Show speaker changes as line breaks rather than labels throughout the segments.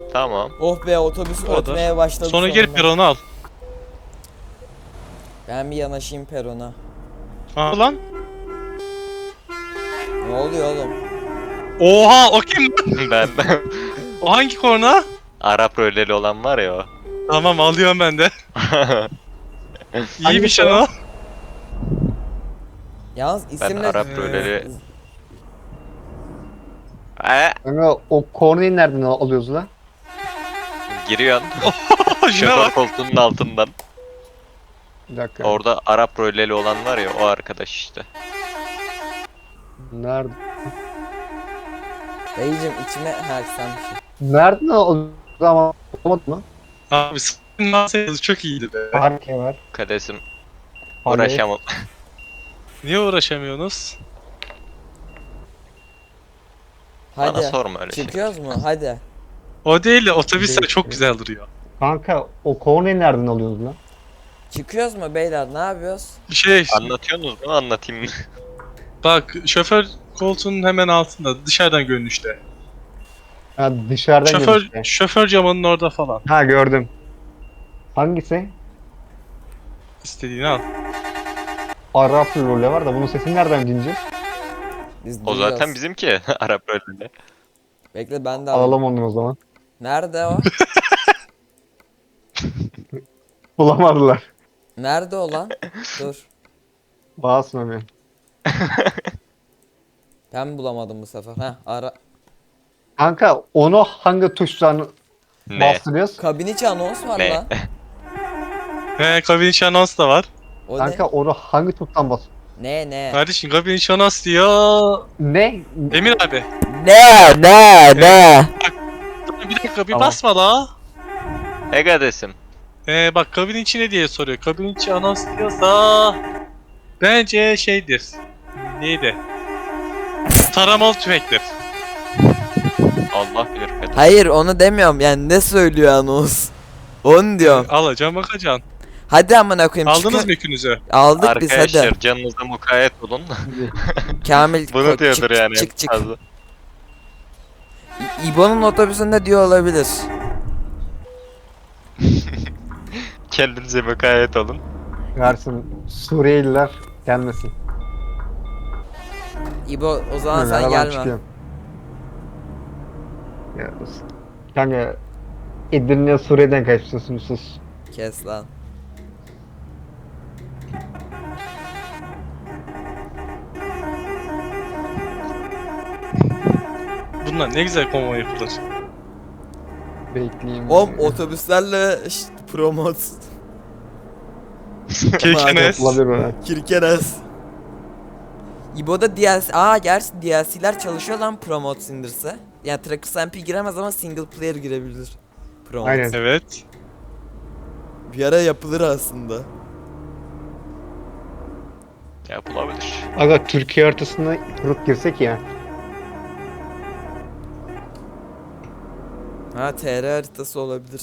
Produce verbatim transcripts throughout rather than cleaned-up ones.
Tamam.
Oh be, otobüs
O kadar.
ötmeye başladı
Sonra
sonunda.
gel peronu al.
Ben bir yanaşayım perona.
Aa lan.
Ne oluyor oğlum?
Oha, o kim?
Ben
O hangi korna?
Arap röleli olan var ya o.
Tamam, alıyorum ben de. İyi bir
Hangisi
şey
o?
o.
Yalnız
Ben
isimle...
Arap
Ee,
röleli. Ee,
Kanka o korneyi nereden al- alıyoruz lan?
giriyorsun.
Şuna
Şoför
bak.
koltuğunun altından.
Bir dakika.
Orada Arap röleli olan var ya o arkadaş işte.
Nerede?
Dayıcım içime... Ha sen bir şey.
Nereden alıyoruz ama olmadı mı?
Abi sıkın lan, sayısı çok iyiydi be.
Harika var.
Kadesim
Hani-
uğraşamam.
Niye uğraşamıyorsunuz?
Bana
Hadi.
sorma öyle şey.
Çıkıyoruz mu? Hadi.
O değil de otobüsler
Değil.
çok güzel duruyor.
Kanka o korneyi nereden alıyoruz lan?
Çıkıyoruz mu beyler? Ne yapıyoruz?
Şey,
Anlatıyorsunuz mu anlatayım mı?
bak şoför koltuğunun hemen altında, dışarıdan görünüşte.
Ha dışarıdan
Şoför,
gelişte.
şoför camının orada falan.
Ha gördüm. Hangisi?
İstediğini al.
Arap role var da bunun sesini nereden dinleyeceğiz?
Biz
O
duyuyoruz.
zaten bizimki Arap röleli.
Bekle ben de alayım.
Alalım onu o zaman.
Nerede o?
Bulamadılar.
Nerede o lan? Dur.
Basmıyor.
Ben bulamadım bu sefer. Heh ara.
Kanka onu hangi tuştan
Ne?
bastırıyoruz?
Kabin içi anons var
Ne?
lan.
He, kabin içi anons da var.
O
Kanka onu hangi tuştan bas?
ne? Ne ne?
Kardeşim kabin içi anons diyor.
Ne?
Emir abi.
Ne ne ne?
Dur bir dakika, bir
Tamam.
basma la.
E kadesim.
Ee, bak kabin içi ne diye soruyor. Kabin içi anons diyorsa bence şeydir. Neydi? Taramalı tüfektir.
Allah bilir kadesim.
Hayır onu demiyorum yani ne söylüyor anons? Onu diyorum.
Alacaksın, bakacaksın.
Hadi amına koyayım.
Aldınız
çıkın-
mı yükünüzü?
Aldık biz hadi.
Arkadaşlar canınıza mukayyet olun.
Kamil
Bunu
ko-
diyordur
çık,
yani.
Çık çık.
fazla.
İ- İbo'nun otobüsünde diyor olabilir.
Kendinize mukayyet olun.
Versin Suriyeliler gelmesin.
İbo o zaman
Ben
sen
aradan
gelme.
çıkıyorum. Ya, kanka Edirne Suriye'den kaçmışsın sus.
Kes lan.
Bunlar ne güzel konvoy yapılır.
Bekleyeyim.
Oğlum otobüslerle işte, promot.
Kirkenes.
Olabilir mi?
Kirkenes. İbo'da D L C... Aa gerçi D L C'ler çalışıyor lan Promote indirse. Yani Trackers M P giremez ama single player girebilir. Promote.
Aynen.
Evet.
Bir ara yapılır aslında.
Yapılabilir.
Aga Türkiye haritasına kurup girsek ya.
Ha T R haritası olabilir.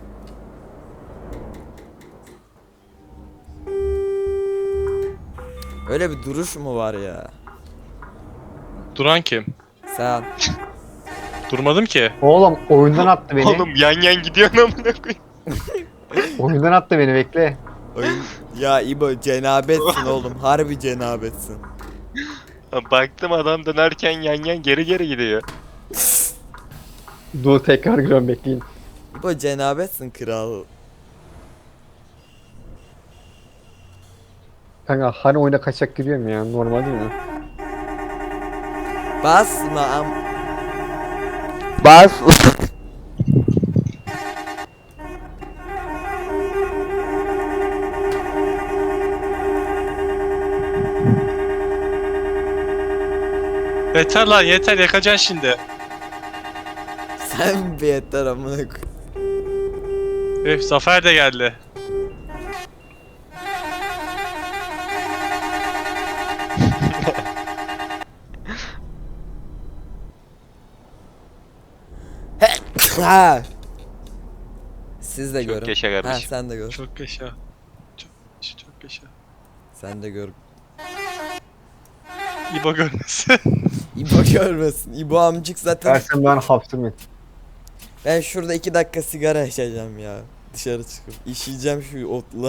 Öyle bir duruş mu var ya?
Duran kim?
Sen.
Durmadım ki.
Oğlum oyundan attı beni.
Oğlum yan yan gidiyorsun amına koyayım.
Oyundan attı beni bekle.
Oyun... ya İbo cenabetsin oğlum. Harbi cenabetsin.
Baktım adam dönerken yan yan geri geri gidiyor.
Dur tekrar giriyorum bekleyin.
İbo cenabetsin kral.
Kanka hani oyuna kaçak giriyorum ya normal değil mi?
Basma am... Bas.
Yeter lan, yeter, yakacaksın şimdi.
Sen bir yeter amına koyayım.
Öf, Zafer de geldi.
Ha. Siz de
Çok
görün.
yaşa
Ha
kardeşim.
sen de gör.
Çok yaşa. Çok yaşa, çok yaşa.
Sen de gör.
İbo görmesin.
İbo görmesin. İbo amcık zaten
Dersen ben hapsım
Ben şurada iki dakika sigara içeceğim ya. Dışarı çıkıp işeyeceğim şu otla.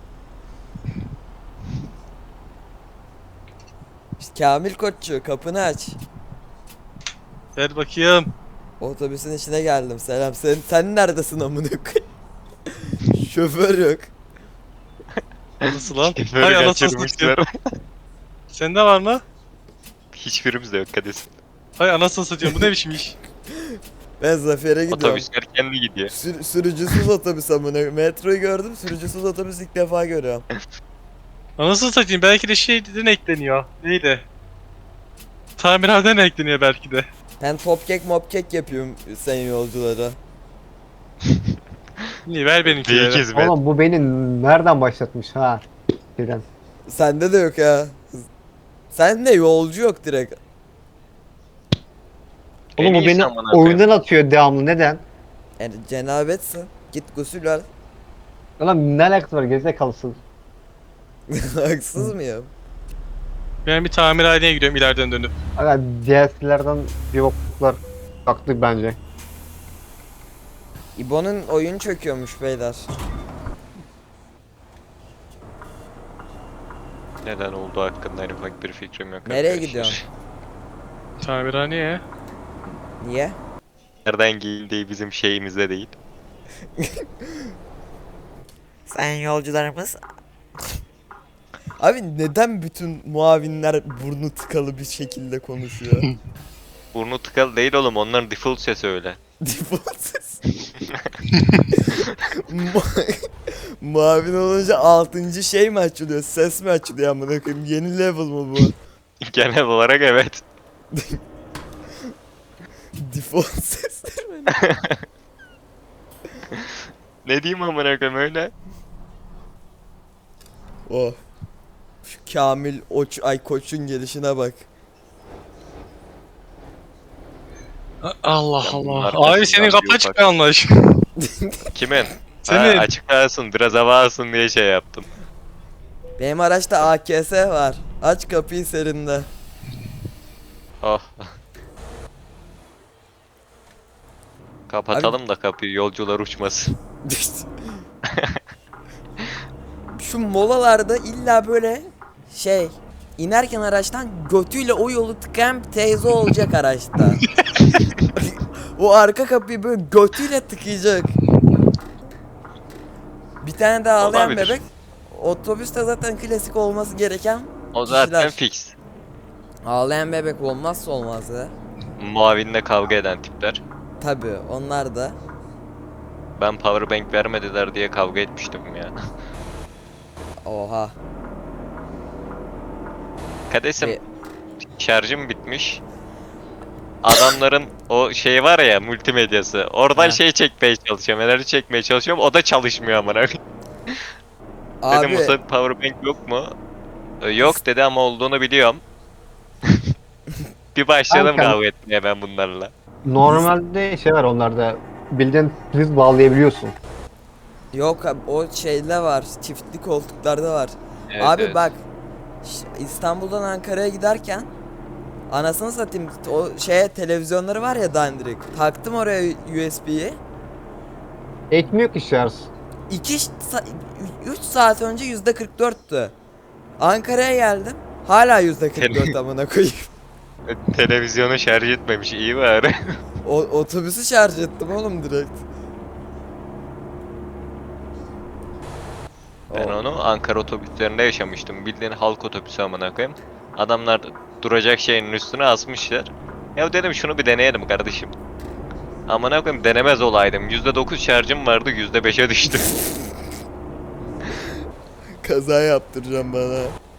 İşte Kamil Koççu kapını aç.
Gel bakayım.
Otobüsün içine geldim. Selam. Sen sen neredesin amına koyayım? Şoför yok.
Nasıl lan?
Şoförü
Hay anasını satayım.
kaçırmışlar.
Sende var mı?
Hiçbirimiz de yok Kadesim.
Hay anasını satayım. Bu ne biçim iş?
Ben Zafer'e gidiyorum.
Otobüsler kendi gidiyor.
Sür- sürücüsüz otobüs amına. Metroyu gördüm. Sürücüsüz otobüs ilk defa görüyorum.
Anasını satayım. Belki de şeyden ekleniyor. Neydi? Tamirhaneden ekleniyor belki de.
Ben top kek mop kek yapıyorum sen yolculara.
İyi ver
Bir
benimkileri.
hizmet.
Oğlum bu beni nereden başlatmış ha? Birden.
Sende de yok ha. Sen de yolcu yok direkt.
En
Oğlum bu
iyisi
beni
amına koyayım.
oyundan atıyor devamlı. Neden?
Yani cenabetsin. Git gusül al.
Ulan ne alakası var gerizekalısın.
Haksız mıyım?
Ben bir tamirhaneye gidiyorum ileriden dönüp.
Aga D L C'lerden bir boklar kalktı bence.
İbo'nun oyun çöküyormuş beyler.
Neden olduğu hakkında en ufak bir fikrim yok.
Nereye
arkadaşlar.
gidiyorsun?
Tamirhaneye.
Niye?
Nereden giyindiği bizim şeyimizde değil.
Sen yolcularımız... Abi neden bütün muavinler burnu tıkalı bir şekilde konuşuyor?
Burnu tıkalı değil oğlum, onların default sesi öyle.
Default ses. Mu- Muavin olunca altıncı şey mi açılıyor? Ses mi açılıyor amına koyayım? Yeni level mı bu?
Genel olarak evet.
Default sesler mi?
Ne diyeyim amına koyayım öyle?
Oh. Şu Kamil Oç ay Koç'un gelişine bak.
Allah
Ya bunun
Allah.
arkasından
Abi senin
bir
kapı
ufak-
açık kalmış.
Kimin?
Senin.
Ha, açık kalsın, biraz hava alsın diye şey yaptım.
Benim araçta A K S var. Aç kapıyı serinde.
Oh. Kapatalım da kapıyı, yolcular uçmasın.
Şu molalarda illa böyle şey inerken araçtan götüyle o yolu tıkayan bir teyze olacak araçta. O arka kapıyı böyle götüyle tıkayacak. Bir tane de ağlayan
Olabilir.
bebek. Otobüste zaten klasik olması gereken
O zaten
kişiler.
fix.
Ağlayan bebek olmazsa olmaz ya.
Muavinle kavga eden tipler.
Tabi onlar da.
Ben powerbank vermediler diye kavga etmiştim ya.
Oha.
Kadesim,
E-
şarjım bitmiş. Adamların o şey var ya, multimedyası. Oradan
Ha.
şey çekmeye çalışıyorum, enerji çekmeye çalışıyorum. O da çalışmıyor amına. Dedim
Abi
Musa powerbank yok mu? E, Yok dedi ama olduğunu biliyorum. Bir başladım
Kanka.
kavga etmeye ben bunlarla.
Normalde şey var onlarda. Bildiğin priz bağlayabiliyorsun.
yok abi, o şeyde var. Çiftli koltuklarda var.
Evet,
Abi
evet.
bak ş- İstanbul'dan Ankara'ya giderken anasını satayım o şeye televizyonları var ya dandirik. Taktım oraya U S B'yi.
Ekmiyor ki şarj.
iki üç saat önce yüzde kırk dörttü. Ankara'ya geldim. Hala yüzde kırk dört amına koyayım.
Televizyonu şarj etmemiş, iyi bari.
O, otobüsü şarj ettim oğlum direkt.
Ben
O-
onu Ankara otobüslerinde yaşamıştım. Bildiğin halk otobüsü amına koyayım. Adamlar duracak şeyin üstüne asmışlar. Ya dedim şunu bir deneyelim kardeşim. Amına koyayım, denemez olaydım. yüzde dokuz şarjım vardı, yüzde beşe düştü.
Kaza yaptıracağım bana.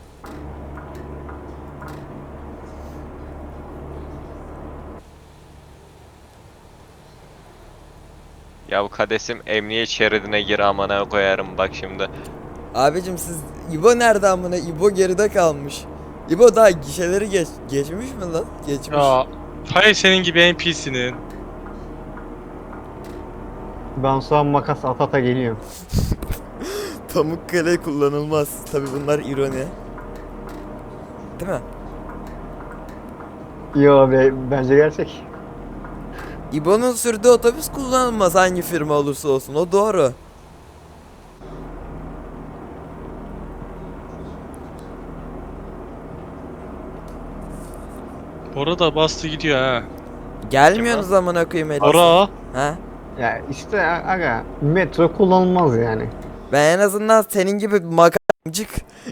Ya bu Kadesim, emniyet şeridine gir amına koyarım bak şimdi.
Abicim siz İbo nerede amına? İbo geride kalmış. İbo daha gişeleri geç geçmiş mi lan? Geçmiş.
Ya. Hayır senin gibi N P C'nin.
Ben sonra makas at ata geliyorum.
Pamukkale kullanılmaz. Tabi bunlar ironi. Değil mi?
Yo be bence gerçek.
İbo'nun sürdüğü otobüs kullanılmaz hangi firma olursa olsun, o doğru.
Bora da bastı gidiyor ha.
Gelmiyorsunuz amına koyayım Elif.
Bora.
Ha?
Ya işte aga metro kullanılmaz yani.
Ben en azından senin gibi makamcık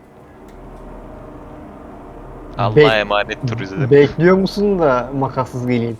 Allah'a
Bek-
emanet turizm.
Bekliyor musun da makassız geleyim?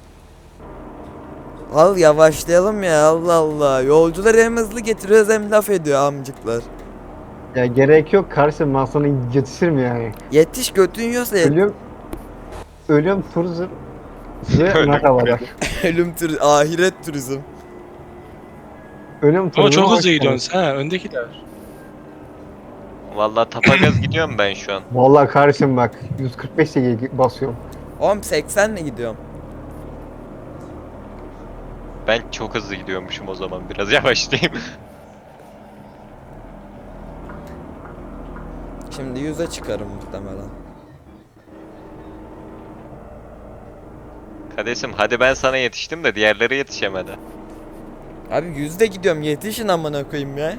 al yavaşlayalım ya, Allah Allah. Yolcuları hem hızlı getiriyoruz hem laf ediyor amcıklar.
Ya gerek yok kardeşim, ben sana yetişirim yani.
Yetiş, götün yiyorsa yet-
Ölüyorum. Ölüyorum turizm. Size
Ölüm
merhabalar.
ölüm tür ahiret turizm.
Ölüyorum turizm.
Ama çok
hoş
hızlı
geldin.
gidiyorsun ha, öndekiler.
Vallahi tapagaz gidiyorum ben şu an.
Vallahi kardeşim bak yüz kırk beş ile basıyorum.
Oğlum seksenle gidiyorum.
Ben çok hızlı gidiyormuşum o zaman. Biraz yavaşlayayım.
Şimdi yüze çıkarım muhtemelen.
Kardeşim hadi ben sana yetiştim de diğerleri yetişemedi.
Abi yüzde gidiyorum, yetişin amına koyayım ya.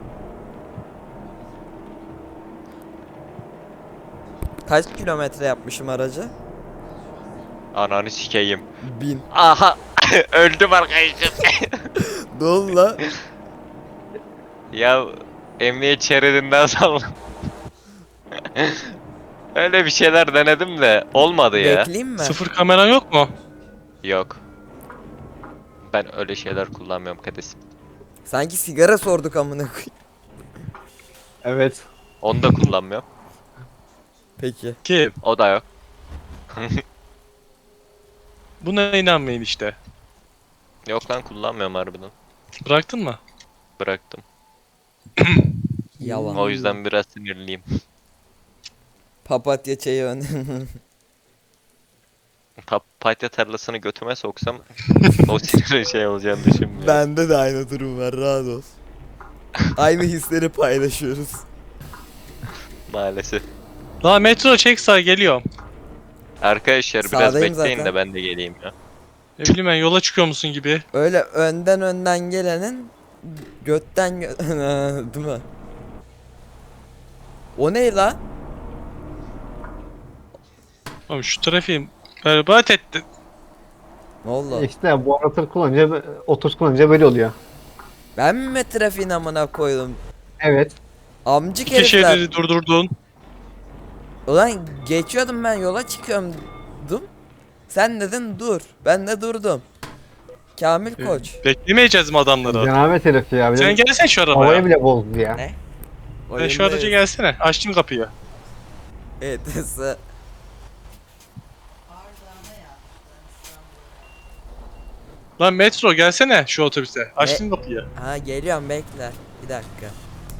Kaç kilometre yapmışım aracı?
Ananı sikeyim.
Bin.
Aha! Öldüm arkadaşım.
Ne oldu la?
Ya emniyet şeridinden saldım. Öyle bir şeyler denedim de olmadı ya.
Bekleyeyim mi?
Sıfır kamera yok mu?
Yok. Ben öyle şeyler kullanmıyorum kardeşim.
Sanki sigara sorduk amına koyayım.
Evet.
Onu da kullanmıyorum.
Peki.
Kim?
O da yok.
Buna inanmayın işte.
Yok lan kullanmıyorum harbiden.
Bıraktın mı?
Bıraktım.
Yalan.
O yüzden biraz sinirliyim.
Papatya çayı ön.
Papatya tarlasını götüme soksam o sinirli şey olacağını düşünmüyorum.
Bende de aynı durum var, rahat ol. Aynı hisleri paylaşıyoruz.
Maalesef.
Daha metro çek sağ geliyorum.
Arkadaşlar biraz
Sağdayım
bekleyin
zaten.
de ben de geleyim ya.
Ne bileyim ben yola çıkıyor musun gibi.
Öyle önden önden gelenin götten gö değil mi? O ne la?
Oğlum şu trafiği berbat ettin.
Ne oldu?
İşte bu aratır kullanınca, otobüs kullanınca böyle oluyor.
Ben mi trafiğin amına koydum?
Evet.
Amcık
İki
herifler.
şeridi durdurdun.
Ulan geçiyordum, ben yola çıkıyordum. Sen dedin dur. Ben de durdum. Kamil Koç.
Beklemeyeceğiz mi adamları?
Cenabet herif ya. Bir de
Sen gelsene şu arabaya.
havayı bile bozdu ya.
Ne?
Sen şu araca gelsene. Açtım kapıyı.
Evet. ese-
Lan metro gelsene şu otobüse. Açtım kapıyı.
Ha geliyorum, bekle. Bir dakika.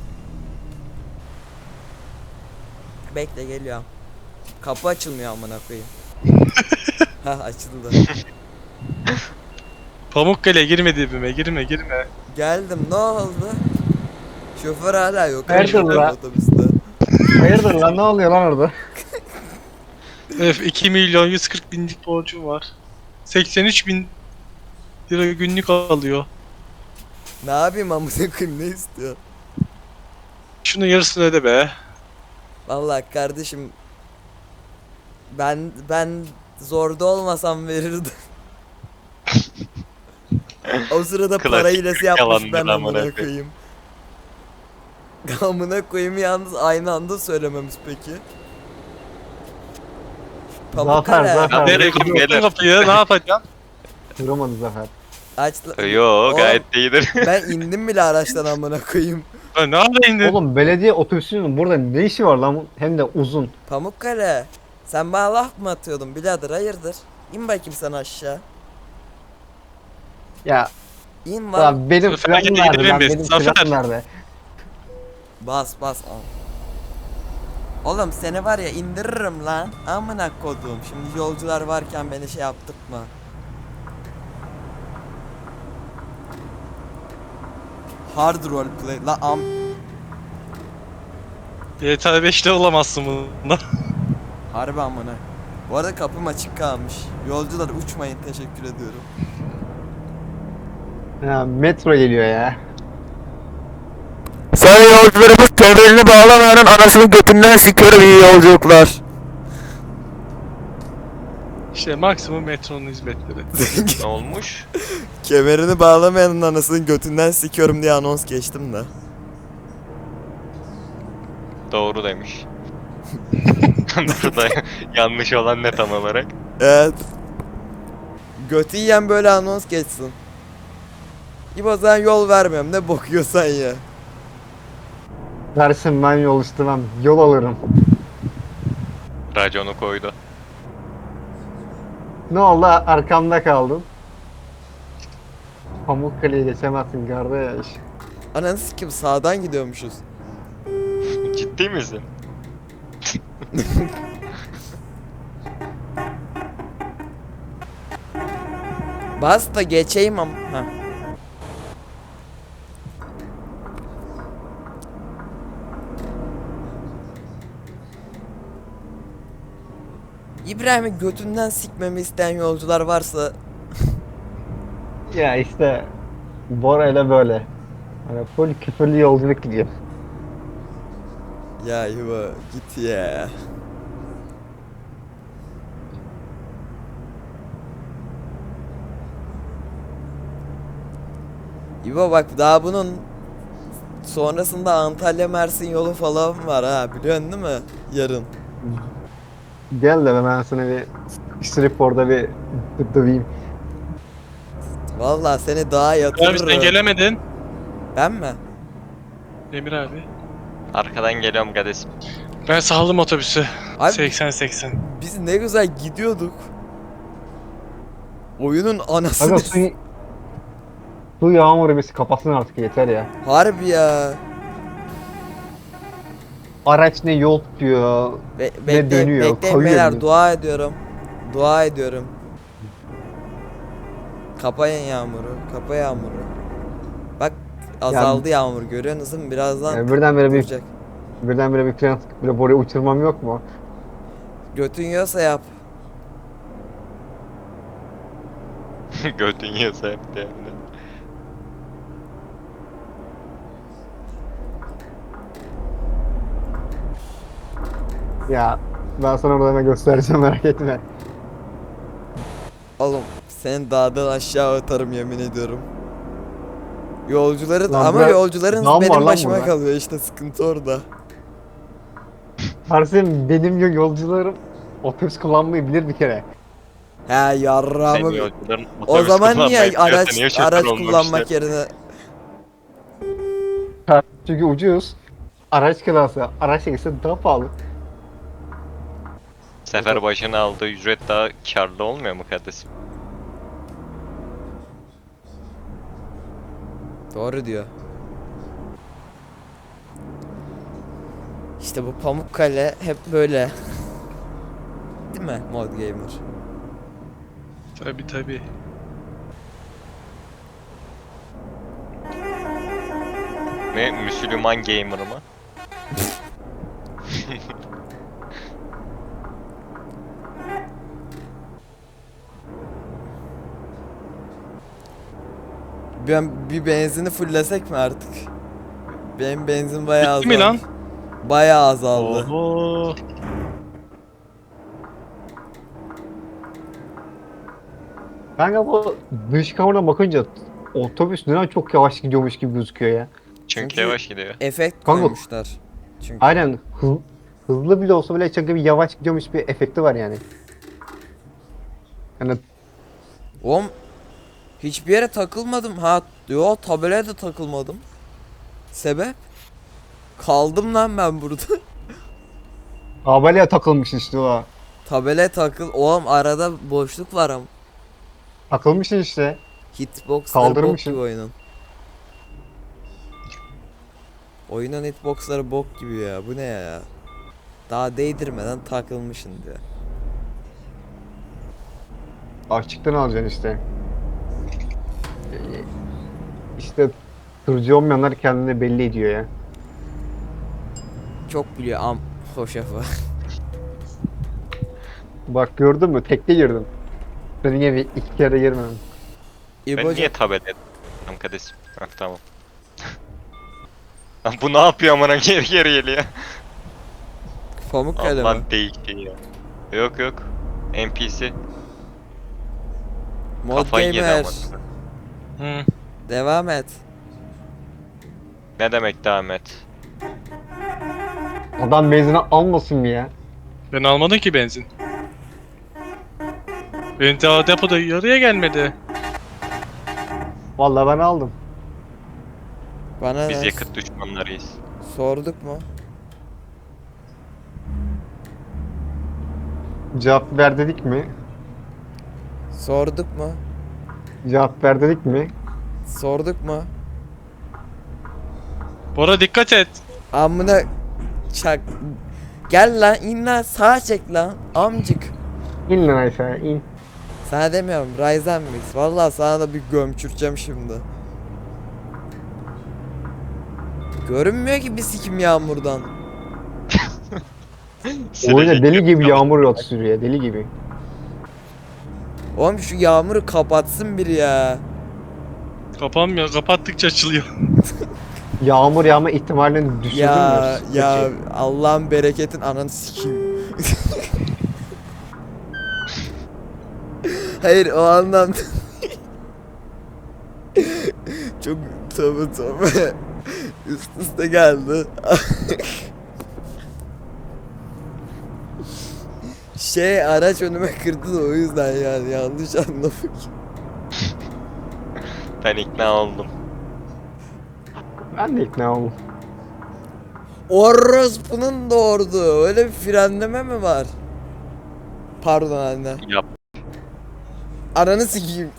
Bekle, geliyorum. Kapı açılmıyor amına koyayım. Ha açıldı.
Pamukkale girme dibime. Girme girme.
Geldim, ne oldu? Şoför hala yok.
Nerede
Amına
lan?
otobüste.
Hayırdır lan, ne oluyor lan orada?
Öf iki milyon yüz kırk binlik borcum var. seksen üç bin lira günlük alıyor.
Ne yapayım amına koyayım, ne istiyor?
Şunun yarısını öde be.
Vallahi kardeşim, ben ben zorda olmasam verirdim. O sırada
Klasik
para hilesi yapmış
yalandır
ben
amına
amına koyayım. Amına koyayım, yalnız aynı anda söylememiz peki. Pamukkale.
Zafer, Zafer.
Nereye
Bırakın
kapattın
beyler.
kapıyı? Ne yapacaksın?
Duramadı Zafer.
Aç.
Yo
Oğlum,
gayet de iyidir.
Ben indim bile araçtan amına koyayım.
Lan ne yapayım?
Oğlum belediye otobüsünün burada ne işi var lan? Hem de uzun.
Pamukkale. Sen bana laf mı atıyordun birader, hayırdır? İn bakayım sen aşağı.
Ya,
İn var.
ya benim
Zafer,
planım
gel
nerede
gidelim
lan?
biz.
Benim
Zafer.
planım nerede?
Bas bas al. Oğlum seni var ya indiririm lan. Amına kodum. Şimdi yolcular varken beni şey yaptırtma. Hard roleplay la am.
G T A beşte olamazsın bundan.
Harbi amına. Bu arada kapım açık kalmış. Yolcular uçmayın, teşekkür ediyorum.
Ya, metro geliyor ya.
Sayın yolcularımız kemerini bağlamayanın anasının götünden sikiyorum, iyi yolculuklar.
İşte maksimum metronun hizmetleri.
Ne olmuş?
Kemerini bağlamayanın anasının götünden sikiyorum diye anons geçtim de.
Doğru demiş. Burada yanlış olan ne tam olarak?
Evet. Götü yiyen böyle anons geçsin. İbo sen yol vermiyorum, ne bokuyorsan ya.
Dersin ben yol istemem. Yol alırım.
Raconu koydu.
Ne oldu? Arkamda kaldın. Pamukkale'yi geçemezsin kardeş.
Ananı sikim, sağdan gidiyormuşuz.
Ciddi misin?
Bas da geçeyim am. Heh. İbrahim'i götünden sikmemi isteyen yolcular varsa
Ya işte Bora ile böyle. Hani full küfürlü yolculuk gidiyor.
ya İbo git ya. İbo bak, daha bunun sonrasında Antalya Mersin yolu falan var ha, biliyorsun değil mi? Yarın.
Gel de ben sana bir strip orada bir döveyim.
Vallahi seni daha
Abi
yatırırım.
sen gelemedin.
Ben mi?
Emir abi.
Arkadan geliyorum kardeşim.
Ben saldım otobüsü.
Abi
seksen seksen.
biz ne güzel gidiyorduk. Oyunun anasını.
Aga su, su yağmuru bizi kapatsın artık yeter ya.
Harbi ya.
Araç ne yol tutuyor.
Be
Ne
bekleyin,
dönüyor,
bekleyin
kayıyor
beyler,
bir de.
dua ediyorum. Dua ediyorum. Kapayın yağmuru, kapa yağmuru. Bak azaldı yağmur, görüyorsunuz değil mi? Birazdan
Yani birdenbire bir
duracak.
birdenbire bir tren sıkıp böyle Bora'yı uçurmam yok mu?
Götün yiyorsa yap.
Götün yiyorsa hep de yani.
Ya ben sana orada hemen göstereceğim merak etme.
Oğlum seni dağdan aşağı atarım, yemin ediyorum. Yolcuların
Lan
ama
bırak-
yolcuların
dam var
benim
lan
başıma
burada.
kalıyor, işte sıkıntı orada.
Tersim benim yo- yolcularım otobüs kullanmayı bilir bir kere.
He yarrağımı.
Senin yolcuların
O
otobüs
zaman
kullanmayı
niye
biliyorsa
araç
niye şoför
araç
olmamışlar?
kullanmak yerine
Çünkü ucuz. Araç kirası, araç çekilse daha pahalı.
Sefer başına aldığı ücret daha karlı olmuyor mu kardeşim?
Doğru diyor. İşte bu Pamukkale hep böyle. Değil mi Mod Gamer?
Tabi tabi.
Ne Müslüman gamer mı?
Ben bir benzini fullesek mi artık? Benim benzin bayağı azaldı.
Bitti mi lan?
Bayağı azaldı.
Oho.
Kanka bu dış kameradan bakınca otobüs neden çok yavaş gidiyormuş gibi gözüküyor ya.
Çünkü,
Çünkü-
yavaş gidiyor.
Efekt
Kanka-
koymuşlar. Çünkü
Aynen hız, hızlı bile olsa bile çok bir yavaş gidiyormuş bir efekti var yani. Yani
oğlum hiçbir yere takılmadım. Ha yo, tabelaya da takılmadım. Sebep? Kaldım lan ben burada.
tabelaya takılmış işte o.
Tabelaya takıl. Oğlum arada boşluk var ama.
Takılmışsın işte.
Hitboxları bok
Kaldırmışsın.
gibi oyunun. Oyunun hitboxları bok gibi ya. Bu ne ya? Daha değdirmeden takılmışsın diyor.
Açıktan alacaksın işte. Ee, İşte tırcı olmayanlar kendini belli ediyor ya.
Çok biliyor am hoşafı.
Bak gördün mü? Tekte girdim. Senin gibi iki kere girmedim.
Ben
İbo'cum
niye tablet ettim kardeşim. Hah, tamam. Lan bu ne yapıyor amına geri geri geliyor.
Pamuk kalemi.
Aman değişti ya. Yok yok. N P C.
Mod
Kafayı yedi
Gamer.
ama.
Hı.
Devam et.
Ne demek devam et?
Adam benzine almasın mı ya?
Ben almadım ki benzin. Benim daha depoda yarıya gelmedi.
Vallahi ben aldım.
Bana
Biz
ne?
yakıt düşmanlarıyız.
Sorduk mu?
Cevap ver dedik mi?
Sorduk mu?
Cevap ver dedik mi?
Sorduk mu?
Bora dikkat et.
Amına çak. Gel lan in lan sağa çek lan amcık.
İn lan aşağıya in.
Sana demiyorum Ryzen Mix. Vallahi sana da bir gömçüreceğim şimdi. Görünmüyor ki bir sikim yağmurdan.
Oyuna deli gibi yağmur yağdı sürüyor deli gibi.
Oğlum şu yağmuru kapatsın biri ya.
Kapanmıyor. Kapattıkça açılıyor.
Yağmur yağma ihtimalini düşürdün
Ya
mü?
ya
Peki.
Allah'ın bereketin ananı sikeyim. Hayır o anlamda. Çok tabi tabi. Üst üste geldi. Şey araç önüme kırdı da o yüzden yani yanlış anlamak.
Ben ikna oldum.
Ben de ikna oldum.
Orospu'nun doğurdu. Öyle bir frenleme mi var? Pardon anne.
Yap.
Ananı sikeyim.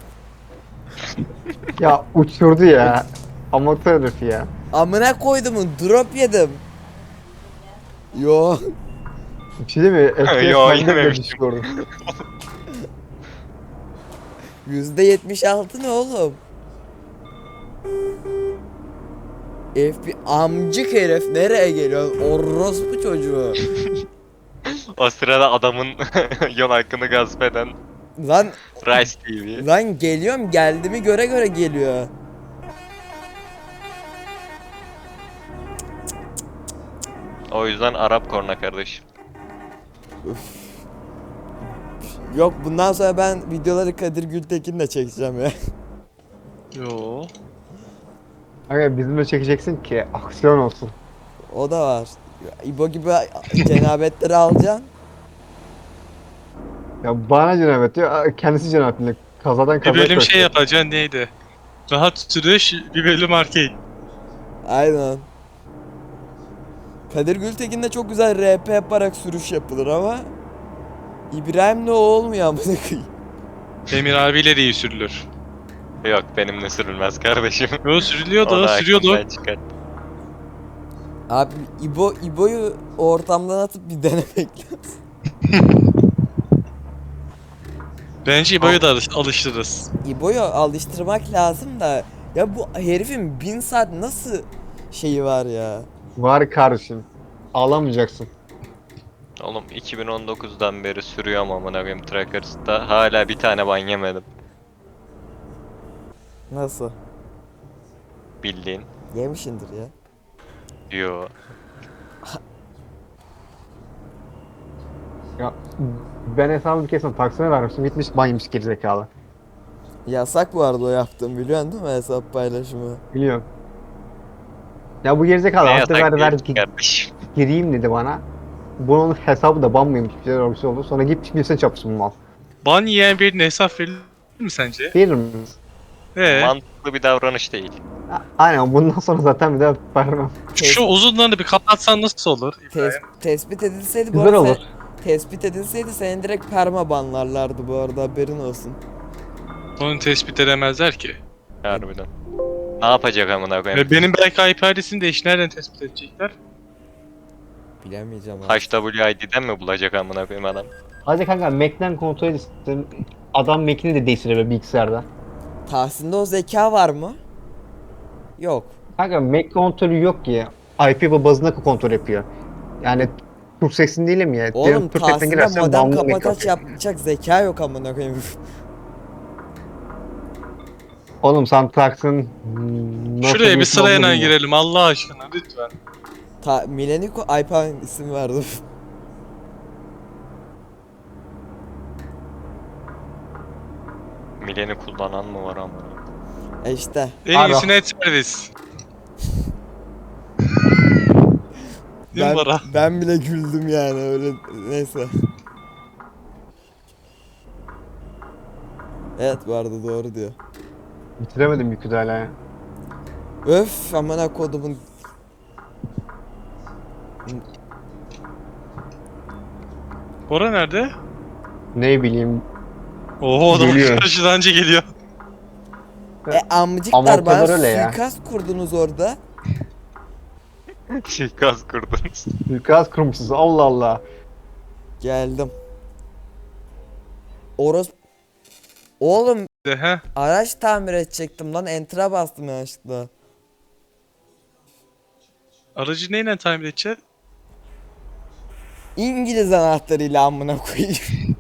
Ya uçurdu ya. Amatör herif ya.
Amına koydumun drop yedim. Yo.
Bir şey değil mi? F P S
Yo,
bende bile
yememiştim.
düşük orada.
yüzde yetmiş altı ne oğlum? F B amcık herif nereye geliyor? Orospu çocuğu.
O sırada adamın yol hakkını gasp eden
Lan
Rice T V.
lan geliyorum geldiğimi göre göre geliyor.
O yüzden Arap korna kardeşim.
Yok bundan sonra ben videoları Kadir Gültekin'le çekeceğim ya.
Yo.
Aga bizimle çekeceksin ki aksiyon olsun.
O da var. İbo gibi cenabetleri alacaksın.
Ya bana cenabet diyor, kendisi cenabetli. Kazadan
Bir
kazaya
bölüm
koştu.
şey yapacaksın neydi? Rahat sürüş, bir bölüm arcade.
Aynen. Kadir Gültekin'de çok güzel R P yaparak sürüş yapılır ama İbrahim'le o olmuyor amına koyayım.
Demir abiyle de iyi sürülür.
Yok benimle sürülmez kardeşim.
Yo sürülüyor
Onu
da sürüyordu.
aklımdan çıkar.
Abi İbo İbo'yu o ortamdan atıp bir denemek lazım.
Bence İbo'yu da alış- alıştırırız.
İbo'yu alıştırmak lazım da ya bu herifin bin saat nasıl şeyi var ya.
Var kardeşim. Ağlamayacaksın.
Oğlum iki bin on dokuzdan beri sürüyorum amına koyayım Trackers'ta. Hala bir tane ban yemedim.
Nasıl?
Bildiğin.
Yemişindir ya.
Yo.
Ya ben hesabı bir kesin taksime vermiştim. Gitmiş banyemiş gerizekalı.
Yasak bu arada o yaptığım biliyorsun değil mi hesap paylaşımı?
Biliyorum. Ya bu gerizekalı
Ne
hafta
yasak
ver ver
değil
gi-
kardeşim.
gireyim dedi bana. Bunun hesabı da ban mıymış bir şeyler olmuş oldu. Sonra gitmiş birisine çarpsın bu mal.
Ban yiyen birine hesap verilir mi sence?
Verir miyiz?
Ee,
Mantıklı bir davranış değil.
A- Aynen bundan sonra zaten bir daha vermem.
şu uzunlarını bir kapatsan nasıl olur?
Tes- tespit edilseydi bu
Güzel
arada
olur.
se- tespit edilseydi seni direkt perma banlarlardı bu arada haberin olsun.
Onu tespit edemezler ki.
Harbiden. Ne yapacak amına koyayım?
Ve benim belki I P adresini de iş nereden tespit edecekler?
Bilemeyeceğim abi.
H W I D'den mi bulacak amına koyayım adam?
Hadi kanka Mac'den kontrol edin. Adam Mac'ini de değiştiriyor bilgisayarda.
Tahsin'de o zeka var mı? Yok.
Kanka Mac kontrolü yok ki. I P bazında kontrol yapıyor. Yani Türk seksen değilim ya.
Oğlum
Diyelim Türk seksen
Tahsin'de
girersen
modem
bağımlı Mac
kapataç
yapıyor.
yapacak zeka yok amına koyayım.
Oğlum sen taksın. hmm, nasıl
Şuraya bir
isim
sırayla
olduğunu bilmiyorum.
girelim Allah aşkına lütfen.
Ta Mileniko ay pardon isim verdim.
Mileni kullanan mı var ama?
E işte.
En
Alo.
iyisi net servis. Değil mi
Ben,
Bora?
ben bile güldüm yani öyle neyse. Evet bu arada doğru diyor.
Bitiremedim yükü de hala ya.
Öf amına kodumun.
Bora nerede?
Ne bileyim.
Oho adam
Geliyor.
karşıdan önce geliyor.
E amcıklar
Ama o
bana
kadar öyle ya.
suikast kurdunuz orada.
Şikaz kurdunuz.
Suikast kurmuşsunuz Allah Allah.
Geldim. Oros... Oğlum
De, he?
araç tamir edecektim lan enter'a bastım yanlışlıkla.
Aracı neyle tamir edeceğiz?
İngiliz anahtarıyla amına koyayım.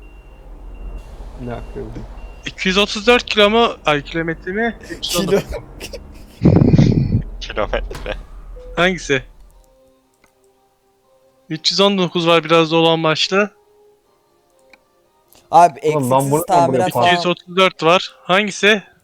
Ne yapıyorum?
iki yüz otuz dört kilo mu? Ay kilometre mi? üç yüz on dokuz.
Kilo.
Kilometre.
Hangisi? üç yüz on dokuz var biraz dolan başlı.
Abi
Oğlum ben bunu-
eksiksiz
ben bunu
tamirat
yaparım.
falan.
iki yüz otuz dört var. Hangisi?